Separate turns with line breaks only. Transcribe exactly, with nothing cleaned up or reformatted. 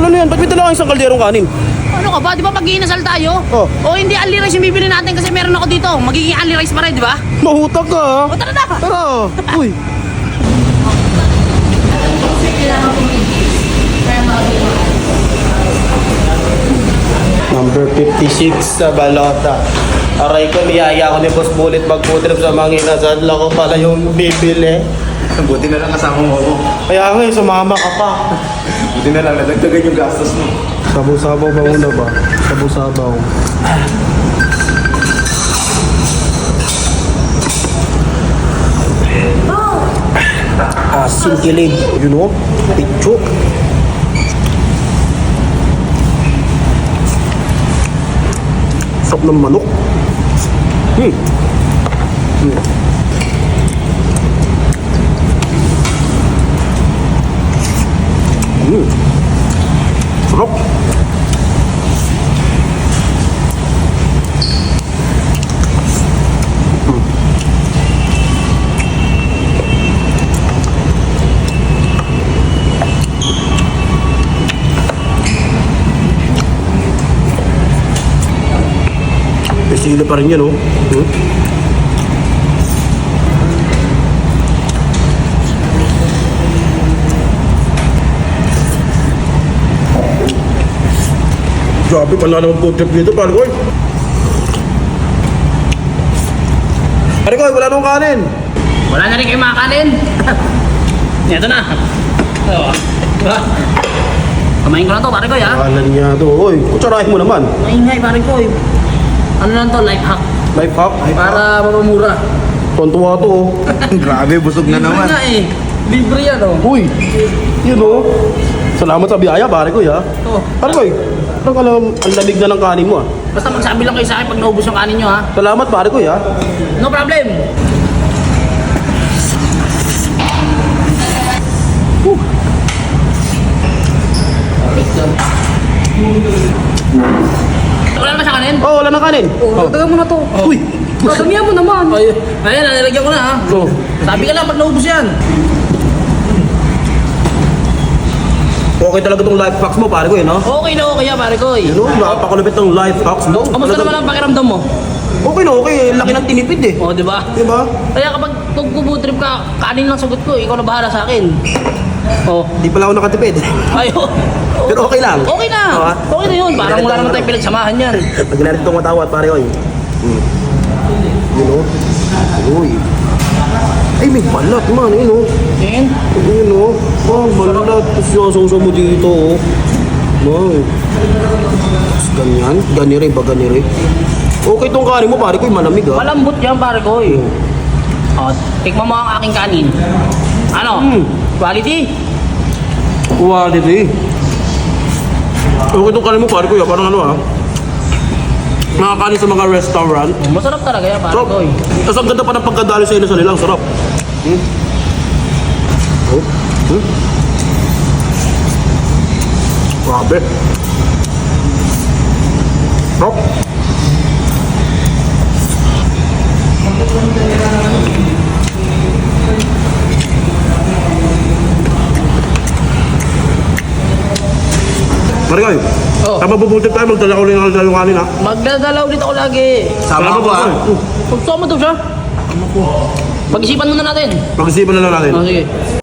Ano yan? Ba't may dala kang isang kalderong kanin?
Ano ka ba? Di ba pag iinasal tayo?
Oh.
O hindi only rice yung bibili natin kasi meron ako dito. Magiging only rice pa rin, di ba?
Mahutag ka ha?
O tara na!
Tara! Uy! Number fifty-six sa balota. Aray ko, niyaya ko ni Boss Bullet mag-foodtrip sa mga inasal. Lako pala yung bibili.
Buti na lang kasama mo ako.
Kaya nga, eh, sumama ka pa.
Buti na lang, nadagdagan yung gastos mo.
Sabaw-sabaw ba muna ba? Sabaw-sabaw. Asin kilig. You know? Picho. Sarap ng manok. Hmm. Hmm. Hmm. Sarap. Sila pa rin yan, oh. Hmm? Grabe, pala naman food trip dito, pare ko. Pare ko, wala nang kanin.
Wala na rin kayo makakanin. Ito na. Ito. Kamain ko lang to, pare ko, ha?
Kanan niya to. Oy, kutsarahin mo naman.
Maingay, pare ko. Ano lang to, life hack.
Life hack.
Para mamamura.
Tontuwa to, oh.
Grabe, busog na
Libre
naman.
nga eh. Libre yan, oh.
Uy, yun, oh. Salamat sa biyaya, pare ko, ha?
Ito.
Pare ko, parang alam, ang lamig na ng kanin mo, ah.
Basta magsabi lang kayo sa akin pag naubos yung kanin nyo, ha?
Salamat, pare ko, ha?
No problem. Whew. Wala naman siya kanin?
Oh, wala nang kanin.
Oh, dagdagan mo na to.
Uy,
Dagdagan mo naman. Ay, ayan, nalagyan ko na, ha?
oh.
Sabi ka lang pag naubos yan.
Okay talaga tong life hacks mo, pare ko, eh, no?
Okay na okay yan, pare ko.
You know, napakalupit ng life hacks mo.
Kamusta naman ang pakiramdam mo?
Okay na okay, eh. Laki ng tinipid, eh.
O, di ba?
Di ba?
Kaya kapag tugpo-trip ka, kanin lang sagot ko, ikaw na bahala sa akin. Oh,
Di pala ako nakatipid.
ayo.
Pero okay lang.
Okay na.
Oo, ha?
Okay na yun. Parang wala naman tayong pinagsamahan yan.
Pag narin itong matawat, pare ko, eh. Hmm. You know? Uy. Ay, may balat, man. You know?
Yan.
You know? Oh, balat. Tapos yung sausaw mo dito, oh. Wow. Tapos ganyan. Ganire ba, ganire? Okay itong kanin mo, pare ko, eh. Malamig, ha?
Malambot yan, pare ko. Eh. O, tikman mo ang aking kanin. Ano?
Hmm.
Quality?
Quality. Okay itong kanin mo, pare ko, eh. Parang ano, ha? Nakakanin sa mga restaurant.
Masarap talaga yan, pare
Sarap.
ko. Eh.
Tapos ang ganda pa ng pagkadali sa inyo sa nilang. Sarap. Hmm? Oh. Hmm? Grabe. Sarap. Marikoy,
Oh.
kapag bubultip tayo, magdala ko rin ang dalawang kanin, ha?
Magdadalaw dito ako lagi.
Sama ko ah.
Gusto mo to siya? Pag-isipan muna natin.
Pag-isipan na lang natin.
O, sige.